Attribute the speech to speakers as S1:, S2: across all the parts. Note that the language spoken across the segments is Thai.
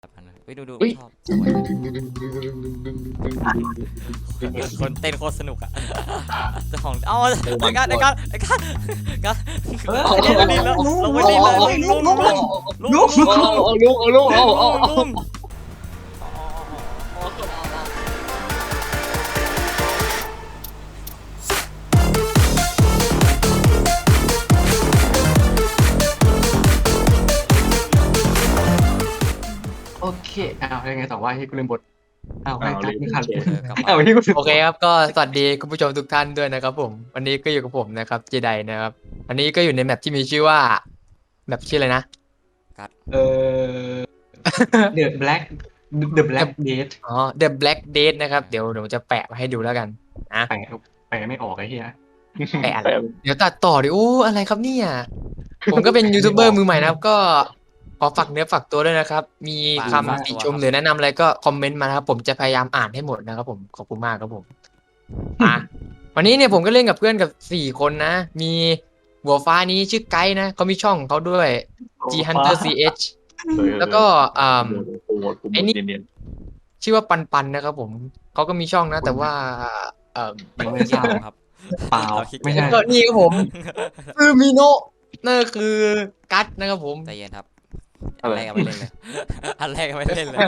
S1: ไปดู
S2: อุ้ย
S1: ชอบสวยคนเต้นโคตรสนุกอ่ะเจ้าของเอาไอ้การลงไปดินแล้วลงไปดินเลยลุง
S3: โอเคยังไงต่อว่าให้กูลืมบทให้
S2: เอา
S3: กั
S2: ลื
S3: ด
S2: ม
S3: ไม่ทัน
S1: กลับ
S3: ที่กูลืม
S4: โอเคครับก็สวัสดีคุณผู้ชมทุกท่านด้วยนะครับผมวันนี้ก็อยู่กับผมนะครับเจไดนะครับอันนี้ก็อยู่ในแมปที่มีชื่อว่าแมปชื่ออะไรนะ
S3: The Black The Black Date
S4: อ๋อ The Black Date นะครับเดี๋ยวจะแปะไว้ให้ดูแล้วกันนะ
S3: แปลไม่ออกไอ้เหี้ย
S4: แปะอะไรเดี๋ยวตัดต่อดิโอ้อะไรครับเนี่ยผมก็เป็นยูทูบเบอร์มือใหม่นะครับก็ขอฝากเนื้อฝากตัวด้วยนะครับมีคำติชมหรือแนะนำอะไรก็คอมเมนต์มานะครับผมจะพยายามอ่านให้หมดนะครับผมขอบคุณมากครับผมวันนี้เนี่ยผมก็เล่นกับเพื่อนกับ4คนนะมีหัวฟ้านี้ชื่อไกด์นะเขามีช่องของเขาด้วย G Hunter CH แล้วก็ไอ้นี่ชื่อว่าปันนะครับผมเขาก็มีช่องนะแต่ว่า
S1: มัน
S3: ไม่
S1: ไม่
S3: ทราบ
S1: ครับ
S3: เปล่าไม่ใช่
S4: ก็นี่ครับผมคือมิโนะนั่นก็คือกัตนะครับผม
S1: ใจเย็นครับอันแรกก็ไม่เล่นเลยอันแรกก็ไม่เล่นเลย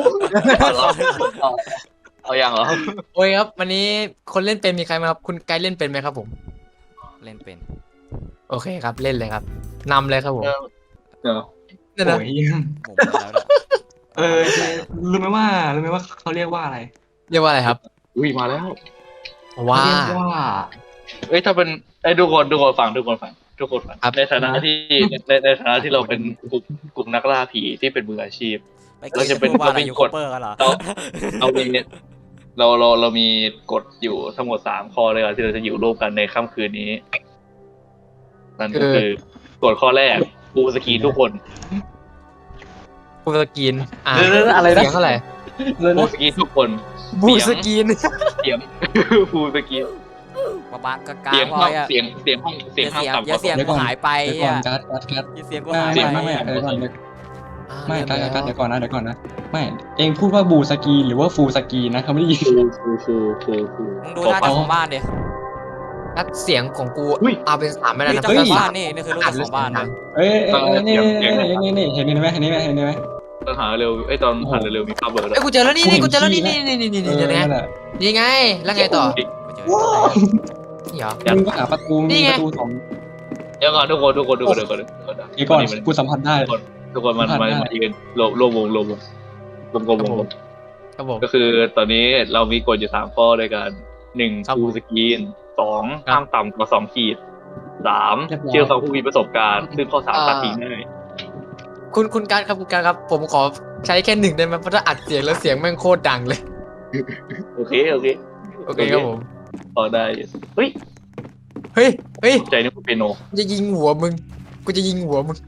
S2: เอาอย่างเหรอ
S4: โอ้ยครับวันนี้คนเล่นเป็นมีใครไหมครับคุณไกด์เล่นเป็นไหมครับผม
S1: เล่นเป็น
S4: โอเคครับเล่นเลยครับนำเลยครับผม
S2: เดี๋ยว
S4: นั่นนะ
S3: โอ้ย
S1: หมุนแล้วเนี่ย
S3: รู้ไหมว่าเขาเรียกว่าอะไร
S4: เรียกว่าอะไรครับ
S2: อุ้ยมาแล้ว
S4: ว่า
S3: เรียกว่า
S2: เอ้ยถ้าเป็นไอ้ทุกคนฟังในฐานะที่เราเป็นกลุ่มนักล่าผีที่เป็นมืออาชีพ เราจะเป็น
S1: ว่าอะไร
S2: เราเป็น
S1: ยู
S2: ก
S1: ทู
S2: ฎ
S1: บเบอร์กันเหรอ
S2: เรามีเรามีกฎอยู่ทั้งหมด3 ข้อเลยที่เราจะอยู่ร่วมกันในค่ำคืนนี้นั่นก็คือกฎข้อแรกปูสกรีนทุกคน
S4: บูสกิน
S3: อะไรนะ
S4: เสียงเท่าไหร่
S2: ปูสกรีนทุกคน
S4: บูสกิน
S2: เสียงปูสกรีน
S1: บ้ากลาง
S2: เสียง
S1: ๆพ
S2: ห้
S1: อ
S2: อง
S1: อ่ะ
S2: เสียงห้องเสียงห้ามต่ำก
S1: อย่า
S2: ว่า
S1: เสียงกูหายไป
S5: เดี๋ยวก่อน
S1: อ่ะ
S5: กัด
S1: อย่าเสียงกูหายไป
S5: ไม่เดี๋ยวก่อนไม่กัดเดี๋ยวก่อนนะไม่เองพูดว่าบูสกีหรือว่าฟูสกีนะเขาไม่ได้ยิน
S2: ฟู
S1: มึงดูหน้าจอของบ้านดิ
S4: นัดเสียงของกูเอาเป็น3ไม่ได้
S1: นี่
S4: นะ
S1: เจ้าของบ้านนี่คือรูปเจ้าของบ้านนะ
S5: เอ้ยนี่เห็นไหม
S2: ตอนหาเร็วไอ้ตอนหันเร็วมีภาพเบอร์ด้วย
S4: ไอ้กูเจอแล้วนี่กูเจอแล้วนี่เดี๋ยวนะนี่ไงแล้วไงต่อ
S1: ไม่เจอ
S4: นี่เหรอ
S5: มึงก็หาประตูมีประตู2
S2: เดี๋ยวก่อนทุกคน
S5: เดี๋ยวก่อนกูสัมผัสได้
S2: ทุกคนมันยืนรวมวงกลม
S4: ครับผม
S2: ก็คือตอนนี้เรามีกฎอยู่3 ข้อด้วยกัน1ฟูสกรีน2ห้ามต่ำกว่า2 ขีด3เชื่อฟังผู้มีประสบการณ์ซึ่งข้อ3ตัดทิ้งได้
S4: คุณการครับผมขอใช้แค่1ได้ไหมเพราะถ้าอัดเสียงแล้วเสียงแม่งโคตรดังเลย
S2: โอเค
S4: โอเคครับผม
S2: พอได้เฮ้ย
S4: เฮ้ย
S2: ใจนึกว่าเปียโน
S4: จะยิงหัวมึงกูจะยิงหัวมึง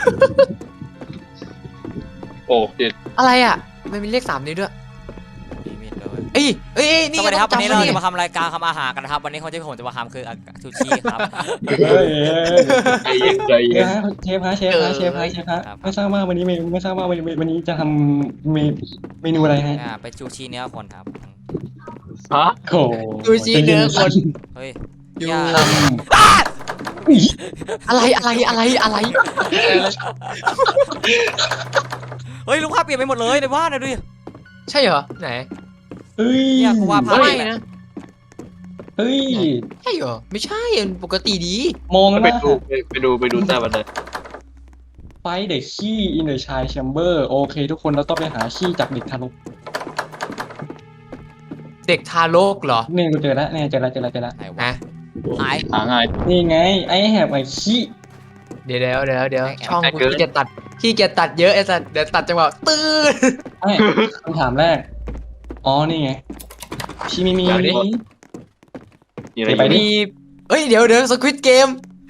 S2: โอ้เจ็ด
S4: อะไรอ่ะมันมีเลข3นี้ด้วย
S1: มีมีดเลย
S4: เอ้ย
S1: ส
S4: นี่
S1: วัสดีครับวันนี้เรา
S4: จำ
S1: จะมาทำรายการทำอาหารกันนะครับวันนี้คนที่ผมจะมาทำคือซูชิครับ
S2: ใจเย็น
S5: เชฟฮะไม่ทราบว่าวันนี้จะทำเมนูอะไรฮะ
S1: เป็นซูชิเนื้อคนครับ
S2: ฮะ
S5: โอ้
S4: ซูชิเนื้อคน
S1: เฮ้ย
S4: อยู่
S1: อย่า
S4: อะไร
S1: เฮ้ยลูกภาพเปลี่ยนไปหมดเลยในบ้านนะดูดิ
S4: ใช่เหรอไหน
S5: เฮ้ย
S1: เนี่ยกูว่าภาพ
S4: ไม่นะ
S5: เฮ้ย
S4: ใช่เหรอไม่ใช่ปกติดี
S5: มอง
S2: ไป
S5: นะ
S2: ดูใต้บันได
S5: ไฟเด็กขี้อินเดอร์ชายแชมเบอร์โอเคทุกคนเราต้องไปหาขี้จากเด็กทารก
S4: เด็กทารกเหรอ
S5: เนี่ยกูเจอแล้วเจอแล้ว
S1: ไหนวะ
S4: นะ
S1: หาย
S2: หาง่าย
S5: นี่ไงไอ้แหบไอ้ขี้
S4: เดี๋ยวช่องกูขี้เกียจตัดเยอะไอ้สัสเดี๋ยวตัดจังหวะตื้อ
S5: ไม่คำถามแรกอ๋อนี่ไงชิมิมี
S2: มีอะไร
S5: ไปดิ
S4: มีเอ้ยเดี๋ยวสควิตเกม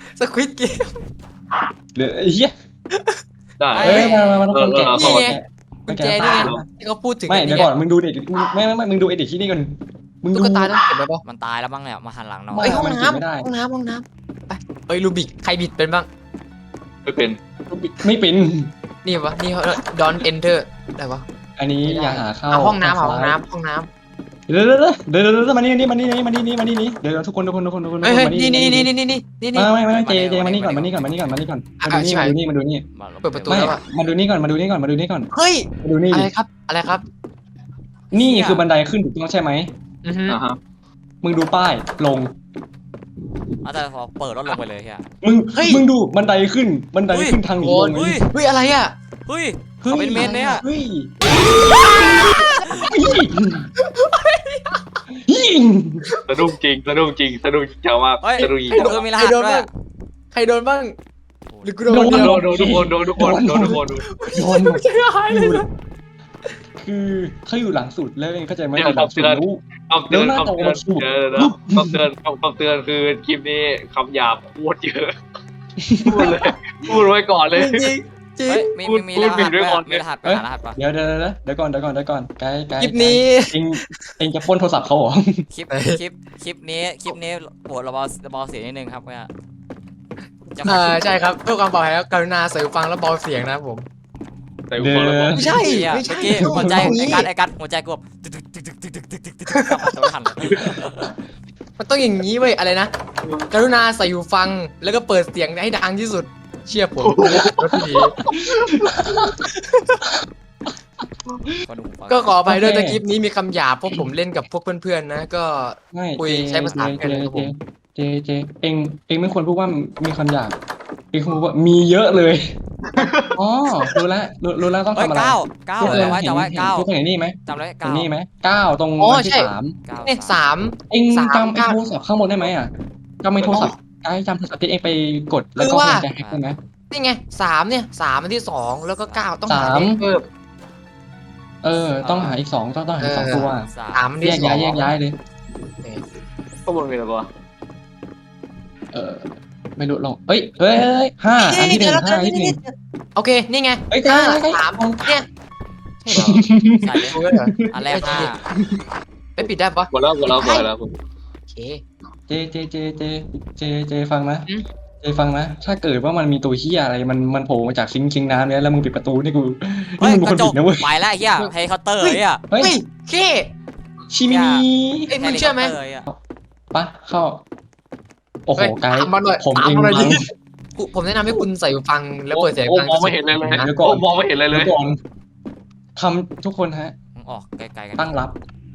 S5: หรือเฮีย
S2: ได้
S5: เอ้ยมาทุกคนแกะ
S4: นี่ไงกุญแจนี่ไงที่เขาพูดถึง
S5: ไม่เดี๋ยวก่อนมึงดูเด็กไม่มึงดูไอ้เด็กที่นี่ก่อนมึงดู
S4: ตุ๊กตาต้องเก็บไว้ปะ
S1: มันตายแล้วบ้างเนี่ยมาหันหลังหน่อ
S4: เอ้
S1: ย
S4: ยห้อง
S5: มันเก็บไม่ได้
S4: น้ำไปเอ้ยลูบิกใครบิดเป็นบ้าง
S2: ไม่เป็น
S5: ไม่เป็น
S4: นี่วะนี่Don't enter ได้ปะ
S5: อันนี้อย่าหาเข้า
S4: ห้องน้ำ
S5: ทา
S4: ห้อง
S5: ซ้าย
S4: น้ำห้องน้ำ
S5: เดี๋ยวมานี่เดี๋ยวทุกคน
S4: เฮ้ย
S5: มานี่
S4: นี่
S5: ไม่เจมานี่ก่อนมาดูนี่
S4: เปิดประตู
S5: ไม่
S4: แล้วอะ
S5: มาดูนี่ก่อนมาดูนี่ก่อน
S4: เฮ้ย
S5: มาดูนี่
S4: อะไรครับอะไรครับ
S5: นี่คือบันไดขึ้นถูกต้องใช่ไหม
S4: อือฮึ
S2: อ่าฮะ
S5: มึงดูป้ายลง
S1: เอาแต่พอเปิดรถลงไปเลยเฮีย
S5: มึงดูบันไดขึ้นทางหนีลง
S1: เฮ้ย
S4: เฮ้ยอะไรอ่ะ
S1: เฮ้ยเขาเป็นเมนเนี่ย
S5: เฮ้ย
S2: สะดุ้งจริงเจ้ามาก
S1: เฮ้ย
S2: สะดุ้งจริง
S1: มีรหัสด้วย
S4: ใครโดนบ้างหรือกูโดน
S5: โดน
S4: คนเดียว
S2: โดนทุกคน
S5: โดน
S4: ไม่ใช่หายเลยนะ
S5: คือเขาอยู่หลังสุดแล้วเองเข้าใจไหม
S2: เดี๋ยว
S5: หลังสุดรู้
S2: คำเตือนคือคลิปนี้คำหยาบพูดเยอะพูดไว้ก่อนเลย
S4: จริงจริง
S1: เฮ้ยมีรหัสด้วยมีรหัสไปหารหัสปะ
S5: เดี๋ยวก่อนไกด์
S4: คลิปนี้
S5: เองจะปล้นโทรศัพท์เขาเหรอ
S1: คลิปนี้โปรดระบายเสียงนิดนึงครับเนี่ยจะมา
S4: ใช่ครับเพื่อความปลอดภัยแล้วกรุณาใส่หูฟังแล้วเบาเสียงนะครับผม
S2: แต่ฟังแล้วบอก
S4: ไม่ใช่
S1: เมื่อกี้หัวใจไอ้กัดหัวใจกูแบบตึกตัวทัน
S4: มันต้องอย่างนี้เว้ยอะไรนะกรุณาใส่หูฟังแล้วก็เปิดเสียงให้ดังที่สุดเชื่อผมรถที่ดีก็ขออภัยด้วยแต่คลิปนี้มีคำหยาบเพราะผมเล่นกับพวกเพื่อนๆนะก็
S5: ไม่
S4: คุยใช้ภาษาแค่นั้นครับผม
S5: เองไม่ควรพูดว่ามีคำหยาบเองควรพูดว่ามีเยอะเลยอ๋อรู้แล้วต้อง
S1: เฮ้ย
S5: ทำอะไร
S1: เก้าจำไว้9
S5: ทุกคนเห็นนี่ไหม
S1: จำไว้
S5: เห็น
S1: 9
S5: นี่ไหม9ตรง
S4: อ๋อ
S5: วันที่
S4: ใช่
S5: 3
S4: เนี่ยสาม
S5: เอง
S4: สาม
S5: จำไอ้
S4: เก้า
S5: โทรศัพท์ข้างบนได้ไหมอ่ะจำไอ้โทรศัพท์ไอ้จำโทรศัพท์ที่เองไปกดแล้วก็
S4: คือว่า
S5: จะแฮกได้ไหม
S4: นี่ไง3เนี่ย3อันที่2แล้วก็9ต้องหา
S5: สาม
S4: เลขเพิ่ม
S5: ต้องหาอีก2ต้องหาอีก2ตัว
S4: 3อัน
S5: แย
S4: ที่
S5: ก
S4: 2
S5: ย้ายเลย
S2: ข้างบนมีอะไรบ้าง
S5: ไม่รู้ลงเอ้ย5อันที่1 5อันที่
S4: โอเคนี่ไง
S5: เอ้ย
S4: ห้า
S5: ใกล้
S4: สามเนี่ย
S1: ใส่เลย
S4: ดูแล้วเหรอ
S1: อันแรก
S4: ไปปิดได้ปะ
S2: หมดแล้ว
S4: โอเค
S5: เจฟังนะ
S4: อืม
S5: เจฟังนะ ถ้าเกิดว่ามันมีตัวเหี้ยอะไรมันโผล่มาจากซิงค์น้ำเนี่ยแล้วมึงปิดประตูนี่กู
S1: เฮ้ย
S5: มึงเป็น
S1: ก
S5: คน
S1: ระจ
S5: ผิ
S1: ก
S5: ดนะเว้ย
S1: ไปแล้วเฮียเฮลิคอปเตอร์เฮีย
S5: เฮ้ย
S4: เฮ้ยเค
S5: ชิมินี
S4: เอ้ยมึงเชื่อไหม
S5: ปะเข้าโอ้โห
S4: เฮ้ย
S5: ไกด์
S4: ตามมาหน่อย
S5: ผม
S4: ตาม
S5: เอง
S4: มาหน่อยดิ
S5: มั้ง
S4: ผมแนะนำให้คุณใส่หูฟังแล้วเปิดเสียง
S2: โอ้
S4: ดัง
S2: มองไม่เห็นเลย
S5: เดี๋ยวก่อน
S2: มองไม่เห็นเลย
S5: เดี๋ยวก่อนทำทุกคนฮะ
S1: ออกไกลๆกัน
S5: ตั้งรับ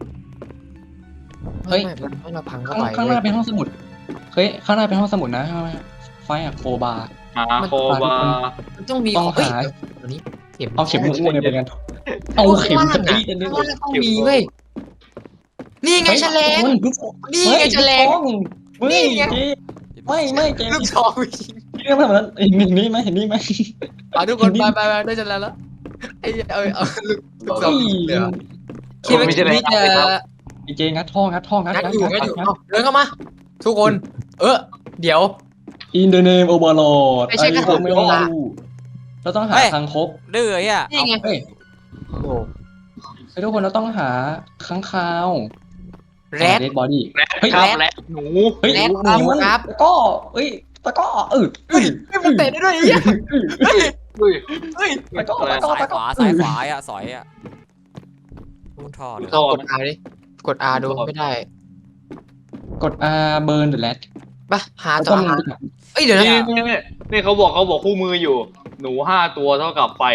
S5: เฮ้ย
S4: ไม่มาพังเข้า
S5: ข้าง
S4: ไป
S5: หน้าเป็นห้องสมุด เฮ้ย ข้างหน้าเป็นห้องสมุดนะไฟอะโคบา
S2: โคบา
S4: มันต้องมี
S5: ต้อง
S4: เฮ้ย
S5: หา
S4: เดี๋ยวนี้เข็ม
S5: เอาเข็มอ้วนเนี่ยเป็นกันเอาเข็มกระตีกัน
S4: ข้า
S5: ด้ว
S4: งล่าย งต้องมีเว้ยนี่ไงแฉลงนี่ไงแฉลง
S5: นี่
S4: นี่ไง
S5: เจ๊ไม่เจ๊
S4: ลูกซองจริง
S5: เรื่องแบบนั้นเห็นนี่ไหม
S4: ทุกคนไปได้แฉลงแล้วไอ้เอาลูกซองเดี๋ยวคิดว่าคลิปนี้จะ
S5: ไอ้เจ๊งัดท่องัด
S4: งัดอยู่เอาเดินเข้ามา ทุกคน เดี๋ยว
S5: อินเดเนมโอเวอร์โหลด
S4: ไม่ใช่กระสุน
S5: ไม่รู้เราต้องหาทางคบ
S1: ดื้อเฮีย
S4: นี่ไง
S5: เฮ้ย
S4: โอ้โห
S5: ไอ้ทุกคนเราต้องหาค้างคาว
S4: แรด
S5: เดดบอดี้
S2: เฮ้ยครับและหนู
S5: เฮ้ย
S4: แรด
S5: หนีมัน
S4: ครับ
S5: ตะก้อเอ้ยตะก้อ
S4: เฮ้ยมันเตะได้ด้วยไอ้เหี้ยเฮ้ย
S2: เฮ้ย
S4: เฮ้ย
S5: ตะก้อ
S1: สายขวาอ่ะสอยอ่ะท่อเลย
S2: ท่อก
S4: ด R ดิกด R ดูไม่ได้
S5: กด R burn the rat
S4: ปะหาต่อหาเอ้ยเดี๋ยวนะ
S2: นี่เขาบอกคู่มืออยู่ หนู5 ตัวเท่ากับไฟ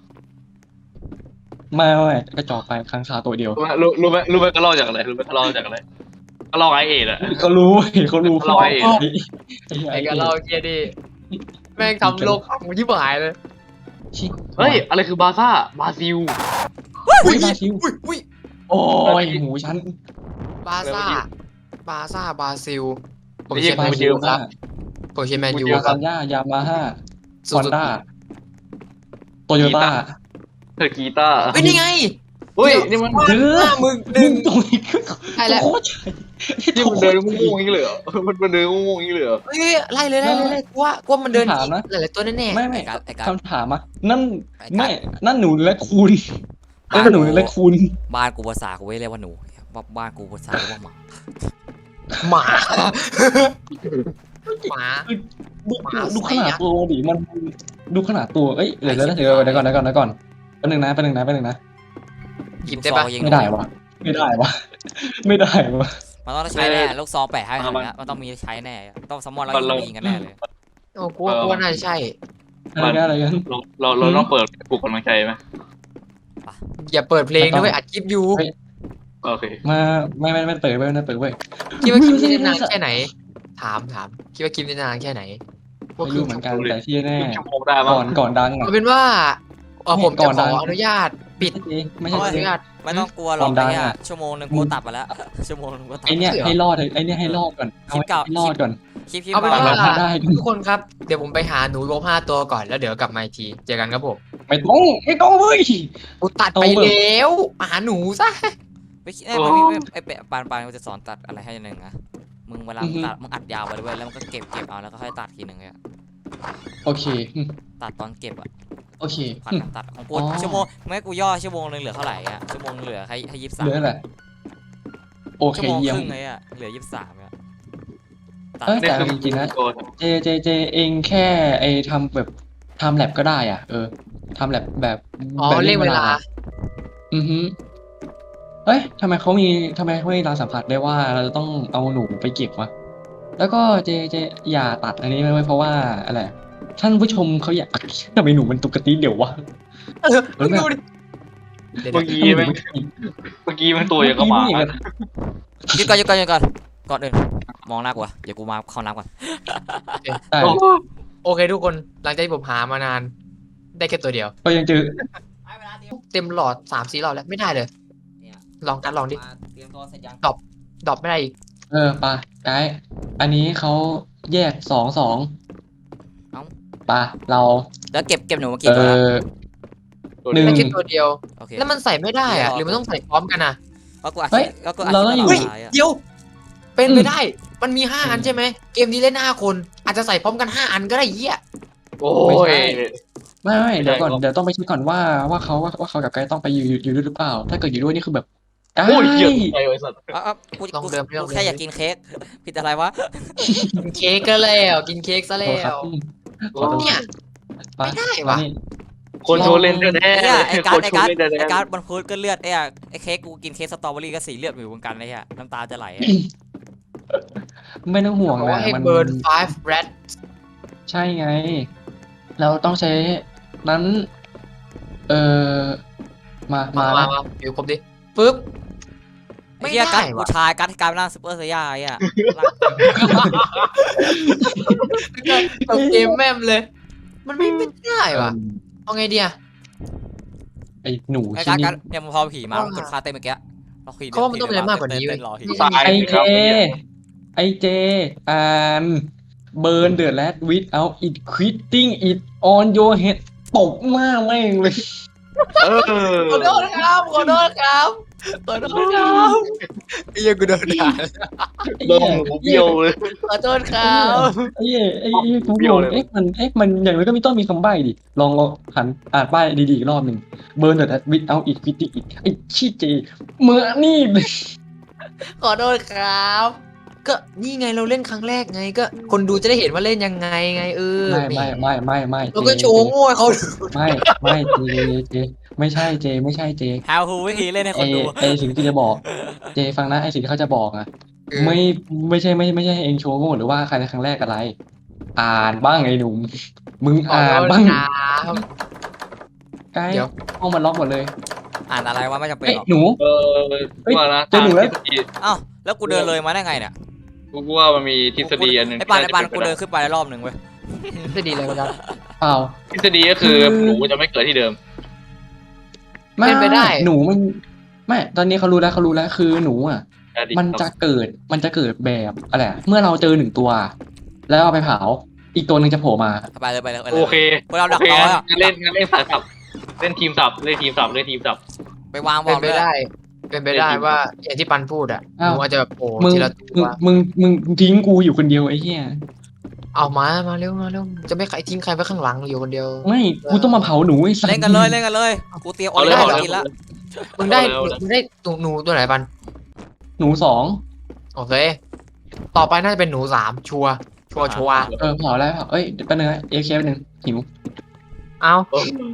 S5: ไม่กระจอกไปค้างคาวตัวเดียว
S2: รู้ไหมก็เล่าจากอะไรก็เล่าไอเอ็ดอะ
S5: เขารู้
S2: ร้อยเอง
S4: ไอ้กันเราเกียร์ดิแม่งทำโลกของยิบหายเลย
S5: ชิบ
S2: เฮ้ยอะไรคือบาซ่าบราซิล
S5: อุ้ยบราซิล
S4: อุ้ย
S5: โอ้ยหูฉัน
S4: บาซ่าบราซิลผม
S2: ไม่
S4: เชี
S2: ใช่
S4: ยร์แมน
S2: บราซิ
S4: ยู
S2: ล
S4: ครับผมเชียร์แมนยู
S5: ยู
S4: ครั
S5: ซั
S4: บ
S5: นย่ายามาฮ่า
S4: สุ
S5: ฮอน
S4: ด
S5: ด้าโตโยต้า
S2: เธอกีตาร์
S4: เฮ้ยนี่ไง
S2: เฮ้ยนี่มัน
S5: เดือ
S4: มึง
S5: มึงตรงนี้คือ
S4: ใช่แล้ว
S5: โคตร
S2: ที่มันเดินง่วงๆอย่างนี้เลยเหรอมันเดินง่วงๆอย่างนี้เลยเหรอ
S4: เฮ้ยไล่เลยกว่ามันเดินหลายๆตัวแน่
S5: ไม่
S1: ไอ้กัด
S5: คำถามอ่ะนั่นไม่นั่นหนูและคุณนั่นหนูและคุณ
S1: บ้านกูภาษากูไม่เรียกว่าหนูบ้านกูภาษาเรียกว่าหมา
S4: หมาหมา
S5: ดูขนาดตัวดิมันดูขนาดตัวเอ้ยเดี๋ยวก่อนแป๊บนึงนะแป๊บนึงนะแป๊บนึงนะ
S4: หยิบได้ปะ
S1: ลูกซองยิง
S5: ไม่ได้วะไม่ได้วะไม่ได้วะ
S1: มันต้องใช้แน่ลูกซองแปะให้ขนาดนี้มันต้องมีใช้แน่ต้องซัมมอนแล้วยิงกันแน่เลย
S4: โอ้กูว่าน่าจะใช่
S5: อะไรกัน
S2: เราต้องเปิดปลุกกำลังใจไหม
S4: อย่าเปิดเพลงด้วยอัดคลิปอยู่
S2: โอเค
S5: มาไม่เปิดเว้ยไม่เปิดเว้ย
S4: คิดว่าคลิปนี้จะนานแค่ไหน ถามคิดว่าคลิปนี้จะนานแค่ไหน
S5: ไม่รู้เหมือนกันแต่ที่แน่
S2: ชั่วโมงได้มั้ง
S5: ก่อนดังอ่ะ
S4: เอาเป็นว่าผม
S5: ก่
S4: จะ
S5: อน
S4: ข
S5: ดั
S4: อง อนุญาตปิด
S5: ไม่
S4: ขอ
S5: ใช่
S4: อนุญาต
S1: ไม่ต้องกลัวหรอก
S5: ความดัง
S1: เนี่ย
S5: อะ
S1: ชั่วโมงนึงกูตัดไปแล้วชั่วโมงนึงกูตัด
S5: ไอเนี้ย
S4: เหรอ
S5: ให้รอดไอเนี้ยให้รอดก่อนเอา
S1: คลิปเก่า
S5: ให้รอดก่อน
S1: คลิป
S4: เอาเป็น
S1: มา
S4: ว่า
S5: ถ้าได้
S4: ทุกคนครับเดี๋ยวผมไปหาหนูลบ5 ตัวก่อนแล้วเดี๋ยวกลับมาอีกทีเจอกันครับผม
S5: ไม่ต้องเว้ย
S4: กูตัดไปแล้วหาหนูซะ
S1: ไม่คิดไอ้ปานมันจะสอนตัดอะไรให้หนึ่งนะมึงเวลาตัดมึงอัดยาวไปด้วยแล้วมันก็เก็บเอาแล้วก็ค่อยตัดทีหนึ่งเลย
S5: โอเค
S1: ตัดตอนเก็บอะ
S5: โอเค
S1: ผัดกันตัดของกู
S5: อ๋อ
S1: ชั่วโมงไม่กูย่อชั่วโมงนึงเหลือเท่าไหร่อะชั่วโมงเหลือให้23
S5: เหลืออะไรโอเค
S1: ชั่วโมง
S5: เยี่ย
S1: ค
S5: ม
S1: รึ่งเลยอะเหลือ23อะตัด
S5: เอ้ย
S2: นี่
S5: แต่
S2: คือ
S5: จริงๆนะ
S2: ตัว
S5: เจเองแค่ไอทำแบบทำแลบก็ได้อ่ะทำแลบแบบ
S4: อ๋อ
S5: แบบ
S4: เรียกเวลา
S5: อือฮึเอ้ยทำไมเขามีเราสัมผัสได้ว่าเราจะต้องเอาหนูไปเก็บวะแล้วก็เจอย่าตัดอันนี้ไว้เพราะว่าอะไรท่านผู้ชมเขาอยากทำไมหนูมันตุกติเดี๋ยววะ
S4: มึงดูดิ
S2: เมื่อกี้แม่งเมื่อกี้แม่งตัวอย่างกับหมา
S1: หยุดก่อนก่อนอื่นมองหน้ากูอะเดี๋ยวกูมาเข้าน้ำก่อน
S5: ได้
S4: โอเคทุกคนหลังจากที่ผมหามานาน ได้แค่ตัวเดียว
S5: ก็ยังเจอ
S4: เต็มหลอด3-4 หลอดแล้วไม่ได้เลย ลองดิ
S1: เตรียมตัวเสร็จยัง
S4: ดรอปไม่ได้อีก
S5: ปะไกด์อันนี้เขาแยก2 ปะเรา
S1: แล้วเก็บหนูมา
S5: เอ
S1: กี่ตัวแล้ว
S5: หนึ่ง
S4: ได้แค่ตัวเดียว
S1: โอเค
S4: แล้วมันใส่ไม่ได้อะหรือมันต้องใส่พร้อมกันอะ
S1: ก็กูอัด
S5: เฮ้ย
S1: ก็กูอัด
S5: เราต้องอยู่
S1: คลิ
S4: เฮ้
S1: ป
S4: ย
S1: ตลอดอะ
S4: เดี๋ยว เป็นไปได้ มันมี5 อันใช่ไหมเกมนี้เล่น5 คน อาจจะใส่พร้อมกัน5 อันก็ได้เหี้ย
S2: โอ้
S5: ไม่
S2: ย
S5: ใช่ ไม่เดี๋ยวก่อน
S2: ไม่ได้
S5: เดี๋ยวต้องไปเช็คก่อนว่าเขากับไกด์ต้องไปอยู่ด้วยหรือเปล่า ถ้าเกิดอยู่ด้วยนี่คือแบบไก
S2: โอ้ยเหี้ย
S5: ด์
S2: ไอ้สัตว์
S1: กูแค่อยากกินเค้กผิดอะไรวะ
S4: กินเค้กก็แล้วกินเค้กซะ
S5: โท
S4: แล้
S5: ษครับ
S4: ว
S5: ขอโทษ
S4: เนี่ย
S5: ปะ
S4: ไม่ได้ว่ะ
S5: นี่
S2: คนโชว์เล่นแท้
S1: ไอ้
S2: ๆ
S1: การ์ด
S2: คนโชว์เล่นแท้
S1: ไอ้การ์ดมันพูดก็เลือดไอ้เค้กกูกินเค้กสตรอเบอรี่ก็สีเลือดอยู่เหมือนกันเลยอะน้ำตาจะไหลอะ
S5: ไม่ต้องห่วง
S4: บอก
S5: นะ
S4: ว่าให้
S5: มัน
S4: เบิร์น5 red
S5: ใช่ไง เราต้องใช้นั้น เออมา
S4: มา
S5: แล้ว
S4: อยู่ครบดิปึ๊บ
S1: ไอ้
S4: ไม่
S1: เหี้ย
S4: ได้
S1: การ์ด
S4: ว่ะ
S1: ผู้ชายการ์ดที่กลายเป็นร่างซูเปอร์ไซย่าไอ้อะ
S4: ตกเกมแม่มเลย มันไม่ได้ว่ะ เอาไงดีอะ
S5: ไอ้หนู
S1: ไอ้
S5: ชิ้
S1: การ์ด
S5: น
S1: เนี่ยมันพอผีมามันกดค่าเต้นเมื่อกี้เราคุย
S4: เขาว่ามันต้องมีอะไรมากกว่านี้เว้ย
S1: รอผี
S2: ตาย
S5: ไอ
S2: สิค
S5: เจ
S2: รับ
S5: ไอเจอ่านเบิร์นเดอะแรดวิดเอาอิดควิตติ้งอิดออนโยเฮดตบหน้าแม่งเลย
S2: เออ
S4: ขอโทษครับขอโทษครับขอโทษครับไอ้เหี้ยังกูโดนด่า
S2: โดนหมูเบี้ยวเลย
S4: ขอโทษครับ
S5: ไอ้กู
S2: เบี้
S5: ง
S2: ยว
S5: ง
S2: เลย
S5: มันอย่างไรก็ไม่ต้องมีคำใบ้ดิลองหันอ่านป้ายดีๆอีกรอบหนึ่งเบิร์นเดอะแรดวิดเอาอิดควิตติ้งอิดไอ้ชี้เจเมื่อนี่เลย
S4: ขอโทษครับ ก็นี่ไงเราเล่นครั้งแรกไงก็คนดูจะได้เห็นว่าเล่นยังไงไง
S5: ไม่
S4: แหเราก็โชว์โง่ให้เขาดู
S5: ไม่เจไม่ใช่เจ
S1: How who วิธีเล่นให้คนดู
S5: ไอสิ่งที่จะบอก เจฟังนะไอสิ่งที่เขาจะบอกอะไม่ใช่ให้เองโชว์โง่หรือว่าใครในครั้งแรกอะไร อ่านบ้างไอ้หนุ่มมึง
S4: ขอ
S5: อ่า
S4: โท
S5: น
S4: ษ
S5: บ้าง
S4: ครับ
S5: ไกด์
S4: เดี๋ยว
S5: ห้องมันล็อกหมดเลย
S1: อ่านอะไรวะไม่จำเป็น
S5: เอ้ย
S1: หรอก
S5: หนู
S2: เออ
S5: เฮ้ย
S2: ว่านะ
S5: เจอหนูแล้ว
S1: อ้าวแล้วกูเดินเลยมาได้ไงเนี่ย
S2: กูว่ามันมีทฤษฎีอันหนึ่ง
S1: ไอ้ปานกูเดินขึ้นไปรอบหนึ่งเว้ย
S4: จะดีเลยครับ
S5: เปล่า
S2: ทฤษฎีก็คือหนูจะไม่เกิดที่เดิม
S4: เป็นไปได้
S5: หนูมันไม่ตอนนี้เขารู้แล้วคือหนูอ่ะ มันจะเกิดแบบอะไรอะเมื่อเราเจอ1 ตัว แล้วเอาไปเผาอีกตัวหนึ่งจะโผล่มา
S1: ไปเลย
S2: โอเค
S1: พวกเราดัก
S2: โอเค
S1: รอ
S2: งั้
S1: อะ
S2: นเล่นสายสับเล่นทีมสับ
S1: ไปวางบ
S4: เป็
S1: อน ล
S4: ไป
S1: เลย
S4: ได้ เป็นไปได้ว่าอย่างที่ปันพูดอะห
S5: อ้าว
S4: นูอาจจะแบบโผล่
S5: มึง
S4: ทีละตัว
S5: มึงทิ้งกูอยู่คนเดียวไอ้เหี้ย
S4: เอามาเร็วจะไม่ใครทิ้งใครไว้ข้างหลังอยู่คนเดียว
S5: ไม่กูต้องมาเผาหนูไอ้สัส
S1: เล่นกันเลยกูเตรียมออ
S2: เอา
S1: เด
S2: เล
S1: อย ร์
S2: เอาเลย
S1: กินละ
S4: มึงได้
S2: เอาเลย
S4: มึงได้หนูตัวไหนปัน
S5: หนู2
S4: โอเค ต่อไปน่าจะเป็นหนู3ชัวร์
S5: เผาแล้วเอ้ยแป๊บนึงนะเอเคแป๊บนึงหิว
S4: เอา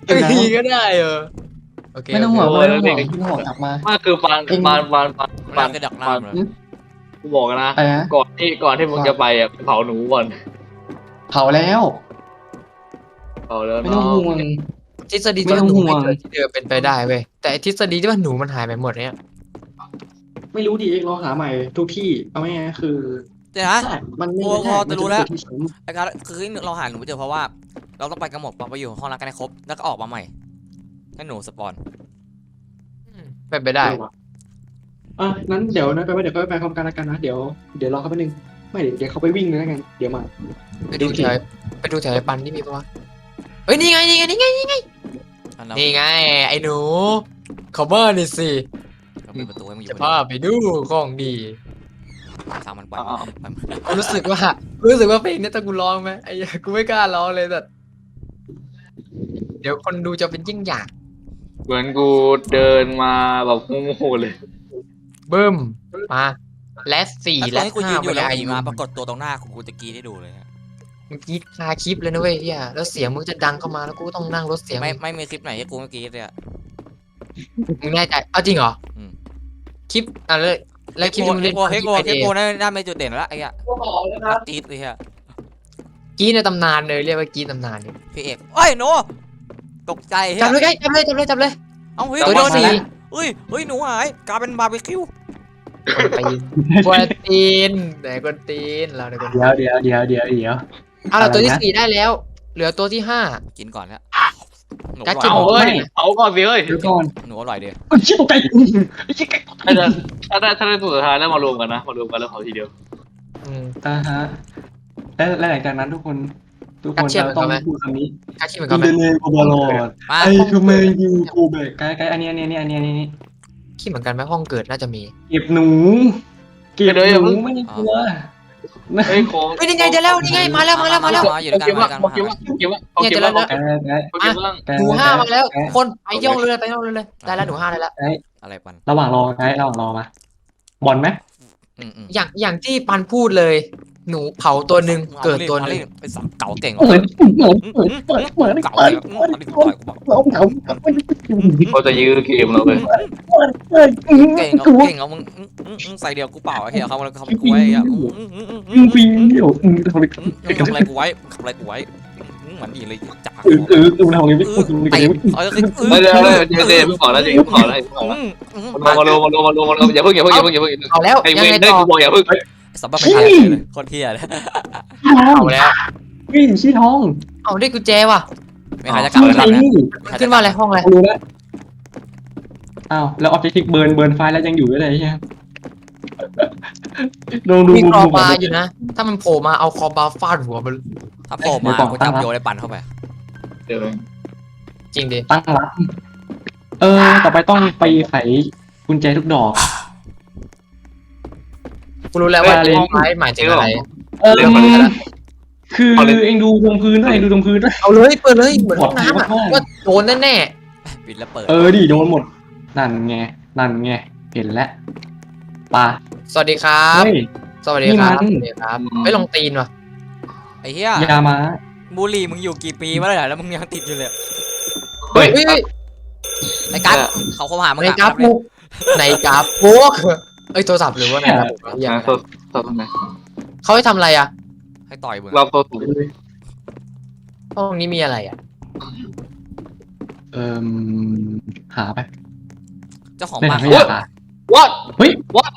S4: ตีก็ได้โอเค
S5: ไม่ต้องห่วงไม่ต้องห่วงไม่ต้องห่วงกลับมา
S2: มากคือปาน
S1: มันคือดักหน้ามันเลย
S2: กูบอกนะ
S5: อะไรนะ
S2: ก่อนที่มึงจะไปอ่ะเผาหนูก่อน
S5: เผาแล้ว
S2: เผาแล้ว
S5: ไม่ต้องห่วง
S4: ทฤษฎี
S5: ไม่
S4: ที่
S5: ต้อง
S4: หนู
S5: ห่วง
S4: ไม่เจอที่เดิมเป็นไปได้เว้ยแต่ทฤษฎีที่ว่าหนูมันหายไปหมดเนี่ย
S5: ไม่รู้ดิเองเราหาใหม่ทุกที่เอาไม่งั้นคือ
S1: เดี๋ยวนะ
S5: ใช่มันไม่
S1: โอ้
S5: ได้
S1: พอจะรู้แล้ว
S5: มันเป็นที่สูง
S1: ไอ้การคือเราหาหนูไม่เจอเพราะว่า เราต้องไปกันหมดไปอยู่ห้องรักกันให้ครบแล้วก็ออกมาใหม่ให้หนูสปอน
S4: เป็นไปได้
S5: นั้นเดี๋ยวนะไปเดี๋ยวก็ไปพร้อมกันแล้วกันนะเดี๋ยวรอเขาแป๊บนึงไม่เดี๋ยวเขาไปวิ่งเลยแล้วกันเดี๋ยวมา
S4: ไปดูแถวไอ้ปันที่มีปะวะเฮ้ยนี่ไงนี่ไงนี่ไงนี่ไง
S1: อันนั้น
S4: นี่ไงไอ้หนูคอมเมอร์นี่สิ
S1: ก็ปิดประตูให้มึงอยู่
S4: จะ
S1: คน
S4: พา
S1: เดียว
S4: ไปดูของดี
S1: ทางมันปล่อยมัน
S4: รู้สึกว่าเพลงนี้ถ้ากูร้องไหมไอ้เหี้ยกูไม่กล้าร้องเลยแต่เดี๋ยวคนดูจะเป็นยิ่งอยาก
S2: เหมือนกูเดินมาแบบโง่ๆเลย
S4: บึ้มมาและสี่
S1: ตอ
S4: และ
S1: นที่กูยื
S4: ห้าน
S1: อยู่แล้ว
S4: ไอ
S1: ผีมาปรากฏตัวตรงหน้ากูจะกรีดให้ดูเลย
S4: เมื่อกี้คาคลิปเลยนะเว้ยเฮียแล้วเสียงมึงจะดังเข้ามาแล้วกูต้องนั่งลดเสียง
S1: ไม่มีคลิปไหนที่กูไม่กรีดเลย
S4: มึงแน่ใจเอาจริงเหรอ
S1: อืม
S4: คลิปแล้วคลิปที่มึงเล่น
S1: คลิปโกน่าเป็นจุดเด่นแล้วไอ้เหี้ยกรีดเลยฮะ
S4: กี้ในตำนานเลยเรียกว่ากี้ตำนานเนี่ย
S1: พี่เอกเอ้ยโนตกใจเฮ้
S4: จับเลย
S1: ย
S4: ไงจับเลย
S1: เอ้าเฮ้ย
S4: ตัว
S1: โด
S4: ที่
S1: น
S4: สี่
S1: เฮ้ยหนูหายกลายเป็นบาร์บีคิว
S4: กวนตีนไหนกวนตีนเราไหนกวนตีน
S5: เดี๋ยว
S4: เอาเราตัวที่
S5: อะไรนะ
S4: สี่ได้แล้ว เหลือตัวที่ห้า
S1: กินก่อนแล้วหนู
S4: กั
S1: อ
S4: ดกิน
S1: ร่อย
S4: หมด
S2: เฮ้ยเอาก่อนสิเฮ้ย
S5: เดี๋ยวก่อน
S1: หนูอร่อยดี
S5: ชิบตกใจ
S2: ถ้าได้ตัวสุดท้ายแล้วมารวมกันนะมารวมกันแล้วเผาทีเดียว
S5: ฮะและหลังจากนั้นทุกคนเราต้องพูดคำนี้
S4: กัดชิมเหมือน
S5: อิ
S4: กัน
S5: น
S4: ไหม
S5: เดเนโกบอลอด
S1: มา
S5: ไอ้ทูเมยูกูเบกไกด์อันนี้
S4: คิดเหมือนกันไหมห้องเกิดน่าจะมี
S5: เก็บหนูไม่กลัว
S2: เฮ้ยโค้ง
S4: เฮ้ยนี่ไงเดี๋ยวแล้วนี่ไงมาแล้ว
S1: อยู่ด้วยกันมากัน
S2: เก็บว่า
S4: หนูห้ามาแล้วคนไปย่องเลยได้แล้วหนูห้าได้แล้ว
S1: อะไรปัน
S5: ระหว่างรอมาบอลไหม
S4: อย่างที่ปันพูดเลย หนูเผาตัวหนึ่งเกิดตัวหนึ่ง
S1: เป็นสังเก่าเก่ง
S5: เหมือน
S1: เก่าเลยต่อยกูบอก
S2: เขาจะยื้อเกมเราเลย
S1: เก่งเอามึงใส่เดียวกูเปล่าไอ้เหี้ยเขากูไว้อ่ะ
S5: ปีเดียวทำไม
S1: ทำอะไรกูไว้เหมือนดีเลยจับ
S5: ทำไงไม่พูด
S1: เตะ
S2: เดี๋ยวไม่ขอแล้วมารวมอย่าเพิ่ง
S4: เอาแล้ว
S2: ไอ้
S4: ยั
S2: เว
S4: งไง
S2: นได้
S4: ต่อ
S2: กูบอกอย่าเพิ่ง
S1: สับปะรดเลยโคตรเที่ยเลย
S4: เอาแล้ว
S5: วิ่งชี้ท้อง
S4: เอาได้กุญแจว่ะ
S1: ไม่ใครจะกลับแล้วนะ
S4: ขึ้นมาอะไรห้องอะไร
S5: รู้แล้วอ้าวแล้วออบเจกต์เบิร์นไฟแล้วยังอยู่ด้วยเลยใช่ไหมลองดู
S4: มีคอบาอยู่นะ ถ้ามันโผล่มาเอาคอบาฟาดหัวมัน
S1: ถ้าโผล่มากูจับโยนในปันเข้าไป
S2: เดี๋ยว
S4: จริงดิ
S5: ตั้งรับต่อไปต้องไปไขกุญแจทุกดอก
S4: กูรู้แล้วว่าเลนไม้หมายถึงอะไร
S5: คือเองดูตรงพื้นด้วย
S4: เอาเลยเปิดเลยเหมือนห้องน้ำอ่ะว่าโดนแน่
S1: ปิดแล้วเปิด
S5: ดิโดนหมดนั่นไงเห็นแล้วป่ะ
S4: ๆสวัสดีครับ
S5: เฮ้ย
S4: สวัสดีครับ
S5: นี่มัน
S4: สวัสดีครับไม่ลงตีนว่ะ
S1: ไอ้เหี้ย
S5: ยามา
S1: บุหรี่มึงอยู่กี่ปีมาแล้วมึงยังติดอยู่เลย
S5: เฮ้ย
S1: ไอ้กั๊กเขาเข้าหามึง
S4: ในกราฟมุกในกราฟพวกเอ้ยโทรศัพท์หรือว่าในระบบอย่าง
S2: โซนไหน
S4: เขาให้ทำอะไรอ่ะ
S1: ให้ต่อยมึง
S2: เราโซน
S4: ห้องนี้มีอะไรอ่ะ
S5: หาไป
S1: เจ้าของ
S5: เล่น
S1: บ้าน
S5: ไม่อยากหา
S2: what
S5: เฮ้ย
S2: what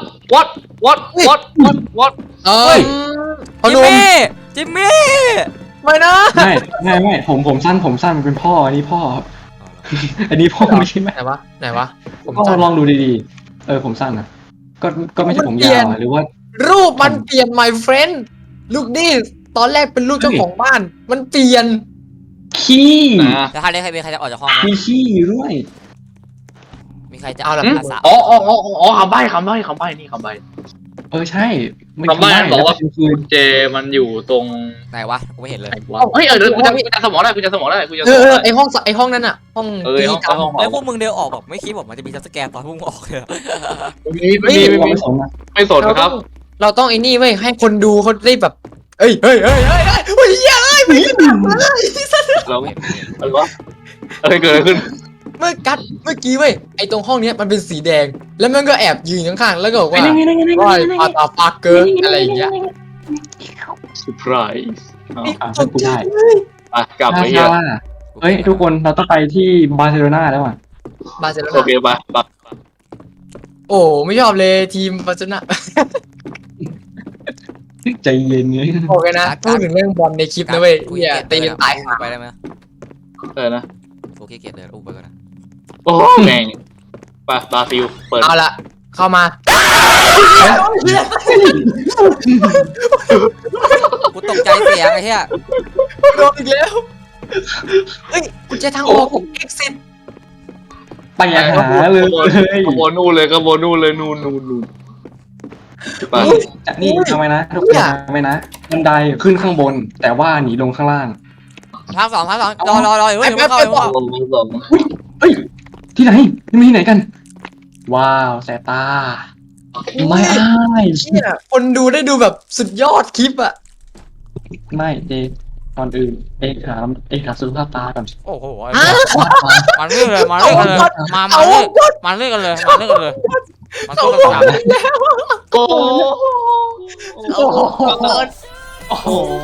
S4: เอ้ยพอ
S1: จิม
S4: นุ่ม
S1: มี่จิมมี่
S4: ไม่นะ
S5: ไม่ผมสั้นมันเป็นพ่ออันนี้พ่อ อันนี้พ่อไม่ใช่ไหม
S4: ไหนวะผม
S5: ก็
S4: สั้น
S5: ลองดูดีๆผมสั้นนะก็ไม่ใช่ผมยาวหรือว่า
S4: รูปมันเปลี่ยน my friend ลูกดิตอนแรกเป็นรูปเจ้าของบ้าน มันเปลี่ยน
S5: ขี้
S1: จะให้ใครจะออกจากห้อง
S5: มีขี้อยู่ด้วย
S1: มีใครจะ
S4: เอาละ
S1: ภาษา
S2: คำใบ้นี่คำใบ้
S5: ใช่ไม่
S2: คำใบ้
S5: ใช่
S2: บอกว่า
S5: คือ
S2: เจมันอยู่ตรง
S1: ไหนวะกูไม่เห็นเลย
S2: เฮ้ยเดี๋ยวกูจะสมองได้
S4: ไอห้องนั้นอ่ะ ห้องตีกัน
S1: แล้วพวกมึงเดินออกแบบไม่คิดบอกมันจะมีจัสแกร์ตอนพวกมึงออกเลย
S2: ไม่สนครับ
S4: เราต้องไอ้นี่เว้ยให้คนดูเขาได้แบบเฮ้ยเฮ้ย
S2: เราอะไรวะเกิดอะไรขึ้น
S4: เมื่อกี้เว้ยไอตรงห้องเนี้ยมันเป็นสีแดง แล้วมันก็แอบยืนข้างๆแล้วก็บอกว่าว่าปาตาฟักเกอร์อะไรอย่างเงี้ย
S2: เซอร์ไพรส์เอา
S5: ช่วยกูได้
S2: อ่ะกลับไปเฮีย
S5: เฮ้ยทุกคนเราต้องไปที่บาร์เซโลนาแล้วอ่ะ
S4: บาร์เซโล
S2: โอ
S4: นา
S2: เคไปไป
S4: โอ้ไม่ชอบเลยทีมบาร์เซโลนา
S5: ใจเย็นเลย
S4: โอเคนะพูดถึงเรื่องบอลในคลิปนะเว้ย
S1: กู
S4: เนี่ย
S1: ขี้
S4: ตี
S1: เกียจ
S4: ตาย
S1: อุ้มไปได้ไหม
S2: นะ
S1: กูขี้เกียจเลยอุ้มไปก่อนนะ
S2: โอ้แม่งไปบราซิลเปิด
S4: เอาละเข้ามา
S1: กูตกใจเสียงไอ้เหี้ย
S4: โดนอีกแล้วเฮ้ยกุญแจทางออก exit
S5: ไปหาเลย
S2: ขบวนนู่นเลยขบวนนู่นเลยนู่นไป
S5: นี่ทำไมนะทุกคนทำไมนะบันไดขึ้นข้างบน แต่ว่าหนีลงข้างล่าง
S1: ทางสองรอเฮ้ยไม่เข้าไม่เข้า
S2: ลงลง
S5: เฮ้ยที่ไหนนี่ที่ไหนกัน ว้าวแสบตาไม่อ้าย
S4: เนี่ยคนดูได้ดูแบบสุดยอดคลิปอ่ะ
S5: ไม่เจก่อนอื่นถามสุขภาพตาก่อน
S1: โอ้โหมันเรื่องเลยมาเรื่องกันเลยมาเรื่องกันเลยมาเรื่องกันเลยมา
S4: เขา
S1: เรื่อง
S4: บ
S1: กั
S4: อก
S1: น
S4: แล้ว
S2: โอ้
S5: โอ้โห